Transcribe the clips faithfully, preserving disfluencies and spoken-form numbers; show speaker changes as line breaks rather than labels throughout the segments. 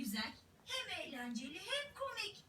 güzel, hem eğlenceli hem komik.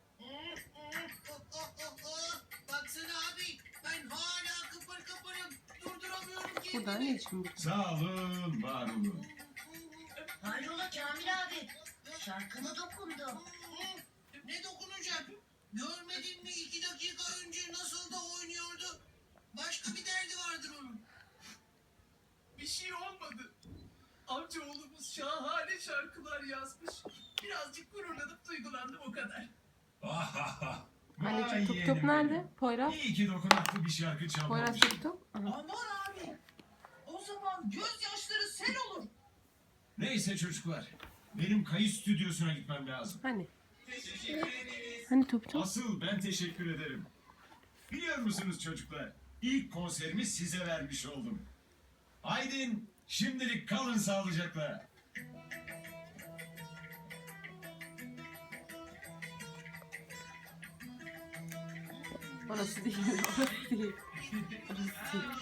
Baksana abi, ben hala kıpır kıpırım. Durduramıyorum kendimi.
Burada ne için bu?
Sağ olun, var olun.
Hayrola Kamil abi, şarkına dokundu.
Ne dokunacak? Görmedin mi iki dakika önce nasıl da oynuyordu? Başka bir derdi vardır onun.
Bir şey olmadı. Amcaoğlumuz şahane şarkılar yazmış. Birazcık gururlanıp duygulandım o kadar.
Ahaha.
Anneciğim tup
yeğenim
tup nerede?
benim.
Poyraz.
İyi ki dokunaklı bir şarkı
Poyraz
çalmamışım.
tup tup. Aha.
Aman abi. O zaman gözyaşları sel olur.
Neyse çocuklar, benim kayıt stüdyosuna gitmem lazım.
Hani?
Teşekkür ederiz.
Hani tup tup?
Asıl ben teşekkür ederim. Biliyor musunuz çocuklar, ilk konserimi size vermiş oldum. Haydin, şimdilik kalın sağlıcakla.
Orası değil. Orası değil. Orası değil.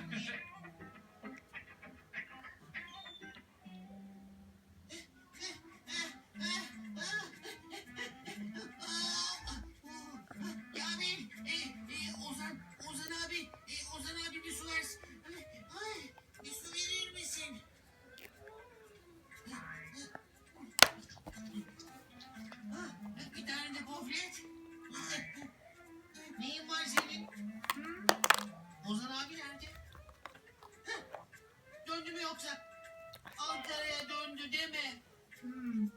Kamil, e, e, Ozan, Ozan abi, e, Ozan abi bir su versin. Ay, bir su verir misin? Ah, bir tane de gofret. Neyin var senin? Ozan abi nerede? Heh, döndü mü yoksa? Ankara'ya döndü deme. Hmm.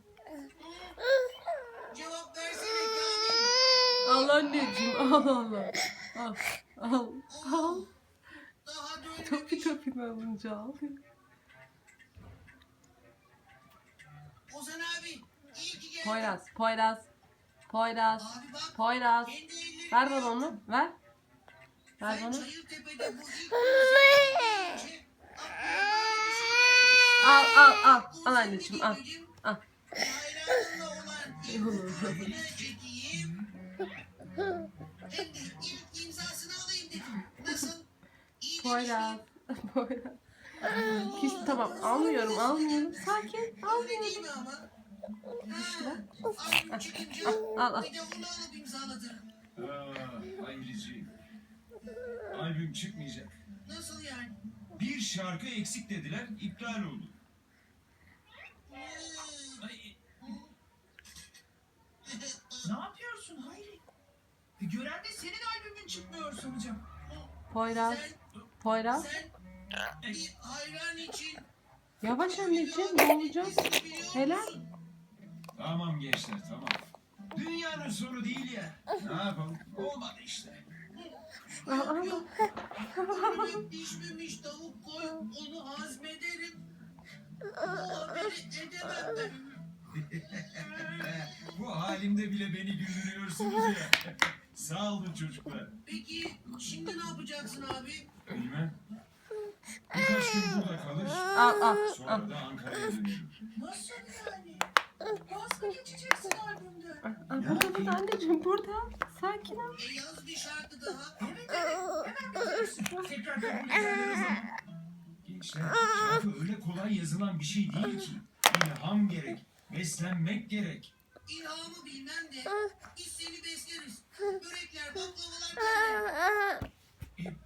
Cevap versene Kamil.
Al anneciğim. Al al al. Al. Al. Al.
Daha dönmemiş.
Topi topi alınca al.
Ozan abi, iyi ki geldin.
Poyraz. Poyraz. Poyraz.
Abi bak,
Poyraz.
kendi ellerimle
Ver bana onu. Ver. Ver
Sen
bana.
Çayırtepe'de bu ilk konser-
Al al al. Al anneciğim al. Al.
Hayranınla olan ilk fotoğrafını çekeyim. Hem de ilk imzasını alayım dedim. Nasıl? İyi
Poyraz.
demiştim.
Poyraz. Hiç tamam almıyorum almıyorum. Sakin
Öyle değil
almıyorum.
mi ama?
İşte.
Ha, albüm çıkınca
Al, al, al.
bir de onu alıp imzalatırım.
Aa, Hayriciğim. Albüm çıkmayacak.
Nasıl yani?
Bir şarkı eksik dediler, iptal oldu.
Hmm.
Ay,
Ne yapıyorsun Hayri? E, gören de senin albümün çıkmıyor sanacağım.
Poyraz.
Sen,
Poyraz.
sen bir hayran için
Yavaş anneciğim ne olacak? Helal.
tamam gençler, tamam. Dünyanın sonu değil ya. Ne yapalım? Olmadı işte.
Al al al.
Ölüp pişmemiş tavuk koy, onu hazmederim. O haberi edemem ben.
Bu halimde bile beni güldürüyorsunuz ya. Sağ olun çocuklar.
Peki şimdi ne yapacaksın abi?
Bilmem. Birkaç gün burada kalır.
Al al al.
Sonra da Ankara'ya dönerim.
Nasıl yani? Vaz mı geçeceksin albümden?
Al burada burada anneciğim burada. Sakin ol.
E yaz bir şarkı daha.
Evet evet. Hemen geçeceksin. Tekrar kabul ederler o zaman.
Gençler, şarkı öyle kolay yazılan bir şey değil ki. İlham gerek, beslenmek gerek.
İlhamı bilmem de biz seni besleriz. Börekler, baklavalar bende.